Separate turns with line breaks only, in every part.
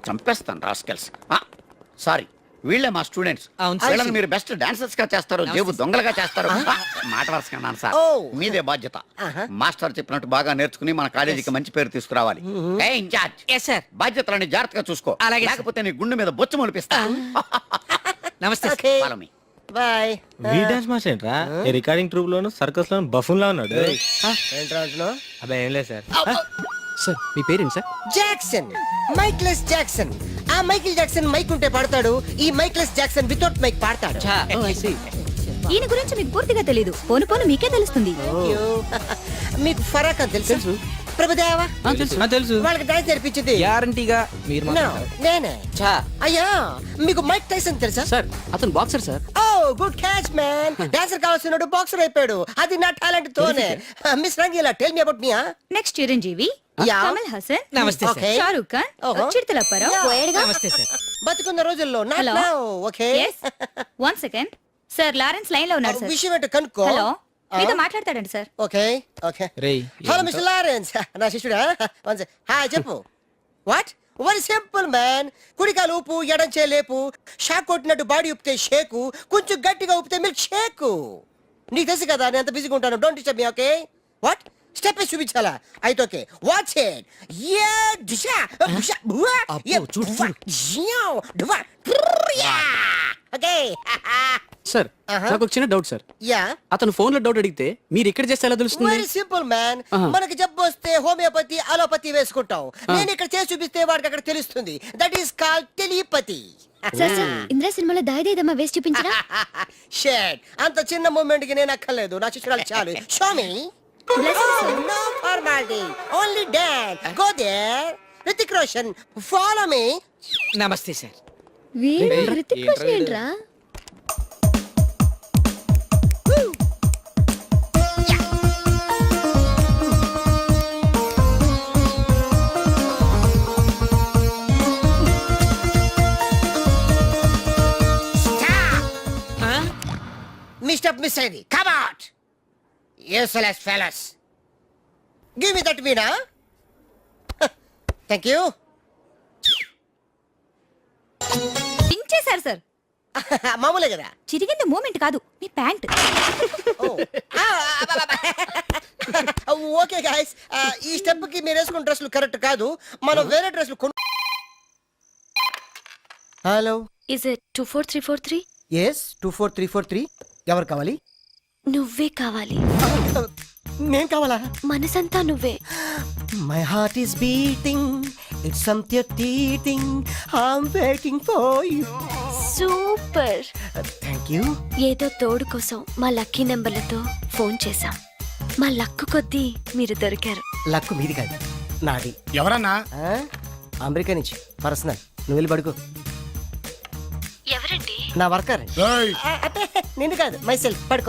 చంపేస్తాను rascals. Sorry, వీళ్ళే మా స్టూడెంట్స్.
అవును సార్.
వీళ్ళని మీరు బెస్ట్ డాన్సర్స్ గా చేస్తారు, జేబు దొంగలుగా చేస్తారు. మాట వరుసకన్నాను సార్, మీదే బాధ్యత. మాస్టర్ చెప్పినట్టు బాగా నేర్చుకుని మన కాలేజీకి మంచి పేరు తీసుకురావాలి. ఏ ఇన్ఛార్జ్,
ఎస్ సార్.
బాధ్యతలని జాగ్రత్తగా చూసుకో,
అలాగే సార్.
లేకపోతే నీ గుండె మీద బొచ్చు మొలిపిస్తా.
నమస్తే sir.
Okay.
Follow me.
Bye.
వీ డాన్స్ మాస్టర్ ఏంట్రా ఈ రికార్డింగ్ ట్రూప్ లోను సర్కస్ లోను బఫూన్ లా ఉన్నాడు.
ఏంట్రా అంటున్నావ్?
అబ్బాయి ఏం లేదు సార్.
సార్ మీ పేరేంటి సార్?
Jackson, Michael Jackson. ఆ మైకిల్ జాక్సన్ మైక్ ఉంటే పాడతాడు, ఈ మైక్లెస్ జాక్సన్ వితౌట్ మైక్ పాడతాడు.
ఈయన గురించి మీకు పూర్తిగా తెలీదు. పోను పోను మీకే తెలుస్తుంది.
మీకు ఫరాక్ అని తెలుసు? ప్రభుదేవా
తెలుసు.
వాళ్ళకి డాన్స్ నేర్పించింది
గ్యారంటీగా మీరు
No, నేనే.
చా
అయ్యా, మీకు మైక్ టైసన్ తెలుసా?
సార్ అతను boxer sir.
Oh good catch man. Dancer కావాల్సినాడు బాక్సర్ అయిపోయాడు. అది నా టాలెంట్ తోనే. Miss Rangeela, tell me about me.
Next Chiranjeevi,
yeah.
Kamal Haasan,
నమస్తే సార్.
Okay.
షారూక్ ఖాన్,
ఓహో.
చిరుతలప్పారావు.
నమస్తే సార్.
బతుకున్న రోజుల్లో not
Hello.
now, okay?
Yes. 1 second. Sir Lawrence line లో ఉన్నారు సార్.
విషయం ఏంటో కనుక్కో.
హలో, మీతో మాట్లాడతాడండి సార్.
Okay okay.
రేయ్
హలో మిస్టర్ లారెన్స్, నా శిష్యుడా? హాయ్ చెప్పు. వాట్? Very simple man. కుడికాలు ఊపు, ఎడం చేలేపు. షాక్ కొట్టినట్టు బాడీ ఊపితే షేకు, కొంచెం గట్టిగా ఊపితే మిల్క్ షేకు. నీకు తెలుసు కదా నేను ఎంత బిజీగా ఉంటాను. Don't disturb me, okay? What? Step చూపించాలా? అయితే ఓకే, వాచ్ ఇట్. యా దిశా దిశా బువా. యా
చూడు,
ఓకే.
సార్ నాకు ఒక చిన్న డౌట్ సార్.
యా
అతను ఫోన్ లో డౌట్ అడిగితే మీరు ఇక్కడ చేస్తే ఎలా తెలుస్తుంది?
Very simple man. మనకి జబ్బు వస్తే హోమియోపతి, అలోపతి వేసుకుంటాం. నేను ఇక్కడ చేసి చూపిస్తే వాడికి అక్కడ తెలుస్తుంది. That is called telepathy.
Sir Indra సినిమాలో దాయిదేదమ్మా వేసి చూపించరా?
షేట్, అంత చిన్న మూమెంట్ కి నేను అక్కర్లేదు, నా శిష్యురాలు చాలు. Show me. No formality, only dance. Go there. Hrithik Roshan, follow me.
నమస్తే సార్.
వీడు హృతిక్ రోషన్ ఏంట్రా?
మిస్టర్ మిస్ అయింది. Come out. Useless fellows. Give me that veena. Thank you.
పించేశారు సార్.
మామూలే కదా.
చిరిగింది మూమెంట్ కాదు, మీ ప్యాంట్.
ఓకే గైస్, ఈ స్టెప్ కి మీరు వేసుకున్న డ్రెస్లు కరెక్ట్ కాదు. మనం వేరే డ్రెస్లు కొను. Hello,
is it 24343?
ఎస్ 24343. ఎవరు కావాలి?
నువ్వే కావాలి.
నేను కావాలా?
మనసంతా నువ్వే.
My heart is beating, it's something teething, I'm waiting for you.
Super.
Thank you.
ఏదో తోడు కోసం మా లక్కీ నెంబర్లతో ఫోన్ చేశాం. మా లక్కు కొద్దీ మీరు దొరికారు.
లక్కు మీది కాదు, నాది.
ఎవరన్నా?
అమెరికా నుంచి పర్సనల్. నువ్వు వెళ్ళి పడుకో.
ఎవరండి?
నా వర్కర్. అంటే నిన్ను కాదు, మై సెల్ఫ్. పడుకో.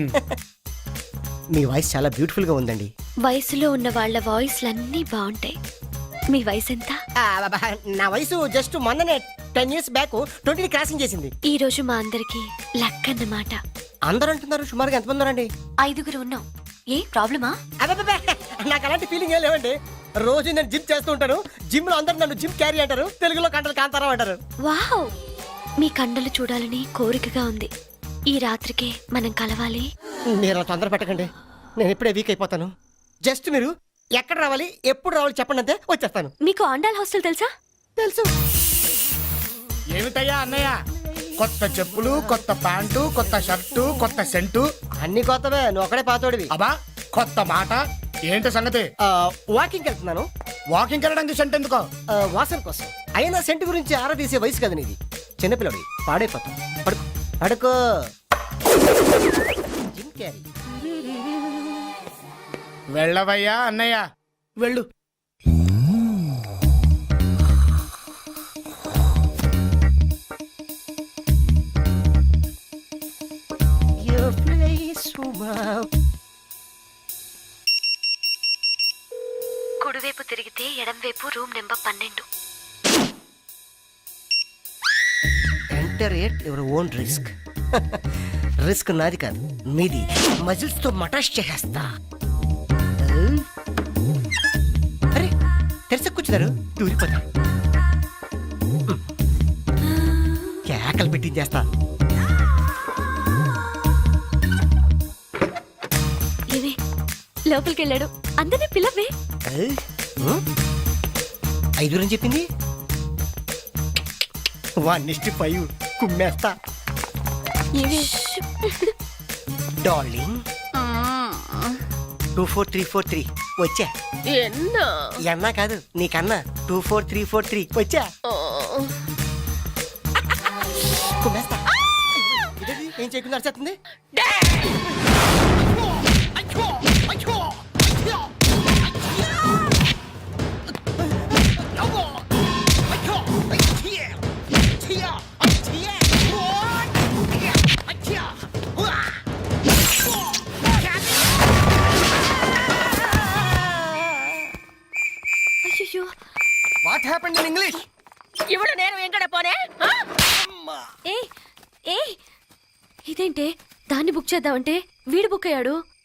మీ వాయిస్ చాలా బ్యూటిఫుల్ గా ఉందండి.
వయసులో ఉన్న వాళ్ళ వాయిస్లన్నీ బాగుంటాయి. మీ వయసు ఎంత?
నా వయసు జస్ట్ మొన్ననే 10 years బ్యాక్ 20 క్రాసింగ్ చేసింది.
ఈ రోజు మా అందరికి లక్ అన్నమాట.
అందరూ అంటున్నారు. సుమారుగా ఎంతమంది ఉన్నారండి?
5 ఉన్నాం. ఏ ప్రాబ్లమా?
అబ్బబ్బబ్బే, నాకు అలాంటి ఫీలింగ్ ఏం లేవండి. రోజు నేను జిమ్ చేస్తూ ఉంటాను. జిమ్ లో అందరూ నన్ను జిమ్ క్యారీ అంటారు, తెలుగులో కంటలు కాంతారా అంటారు.
వావ్, మీ కండలు చూడాలని కోరికగా ఉంది. ఈ రాత్రికే మనం కలవాలి.
మీరు తొందర పెట్టకండి, నేను ఇప్పుడే వీక్ అయిపోతాను. జస్ట్ మీరు ఎక్కడ రావాలి, ఎప్పుడు రావాలి చెప్పండి, అంతే వచ్చేస్తాను.
మీకు ఆండాల్ హాస్టల్ తెలుసా?
తెలుసు.
ఏమిటయ్యా అన్నయ్య? కొత్త చెప్పులు, కొత్త ప్యాంటు, కొత్త షర్టు, కొత్త సెంటు.
అన్ని కొత్తవే, నువ్వు ఒకడే పాతోడివి.
అబ్బా కొత్త మాట. ఏంటి సంగతి?
వాకింగ్ వెళ్తున్నాను.
వాకింగ్ వెళ్ళడానికి సెంట్ ఎందుకో?
వాసన కోసం. అయినా సెంట్ గురించి ఆరా తీసే వయసు కదా నీది. చిన్నపిల్లడి పాడైపోతాం. పడుకో పడుకో. Jim Carrey.
వెళ్ళవయ్యా అన్నయ్య, వెళ్ళు.
Your place, wow.
కుడివైపు తిరిగితే ఎడంవైపు room number 12.
Enter at your own risk. Risk నాది కాదు, మీది. మజిల్స్ తో మటాష్ చేసేస్తా. అరే తెరిసి కూర్చున్నారు, దూరిపోతా. చేస్తా.
ఏవే లోపలికి వెళ్ళాడు, అందరినీ పిలవే.
ఐదుగురని చెప్పింది. 1:5 కుమ్మేస్తా.
ఏవే
డార్లింగ్ 24343 వచ్చా. ఎన్నా కాదు నీకన్నా 24343 వచ్చా. కుమ్మేస్తా. ఇదేంటి? ఏం చేయకుండా అరిచేస్తుంది.
అయ్యో
వాట్ హ్యాపెండ్ ఇన్ ఇంగ్లీష్?
ఇవిడ నేను ఎంకడ పోనే
ఏ ఏ ఇదేంటే దాన్ని బుక్ చేద్దామంటే వీడు బుక్ అయ్యాడు.